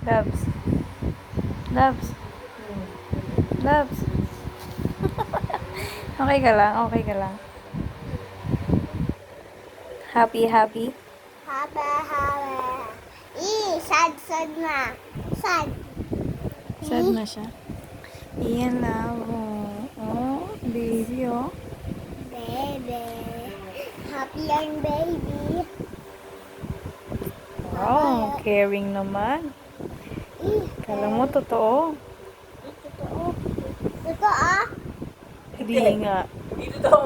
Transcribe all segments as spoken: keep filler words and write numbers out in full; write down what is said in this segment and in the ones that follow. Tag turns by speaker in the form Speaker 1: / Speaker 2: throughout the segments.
Speaker 1: Labs. Labs. Labs. Okay ka lang? Okay ka lang? Happy, happy?
Speaker 2: Haba, haba. Ih, sad, sad na. Sad.
Speaker 1: Sad na siya. Iyan lang. Oh, oh baby, oh.
Speaker 2: Baby. Happy yan, baby.
Speaker 1: Wow, caring naman.
Speaker 2: Ih,
Speaker 1: Kala mo, totoo.
Speaker 2: totoo. Totoo?
Speaker 1: Hindi nga.
Speaker 3: Dito to.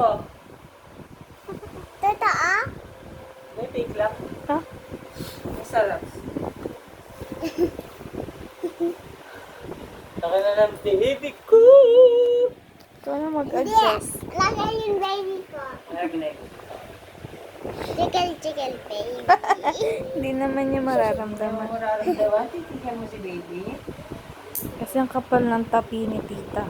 Speaker 2: Totoo?
Speaker 3: May fake lang.
Speaker 1: Ha?
Speaker 3: May sarap. Taka na lang, baby ko.
Speaker 1: Ikaw na
Speaker 2: Hindi.
Speaker 1: mag-adjust.
Speaker 2: Lagay yung baby ko.
Speaker 3: Nagnek.
Speaker 2: Chicken, chicken, baby.
Speaker 1: Hindi naman niya mararamdaman.
Speaker 3: Mararamdaman, titigyan mo si baby.
Speaker 1: Kasi ang kapal ng tapi ni tita.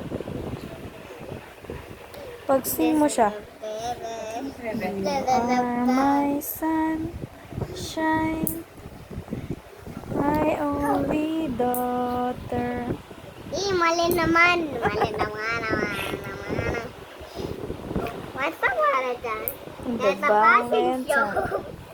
Speaker 1: Pag sing mo siya.
Speaker 2: Baby.
Speaker 1: Are my sunshine, my only daughter.
Speaker 2: Ih, mali naman. Mali naman, naman, naman. What's the matter dyan?
Speaker 1: The
Speaker 2: There's a fashion
Speaker 1: Valentine.
Speaker 2: show.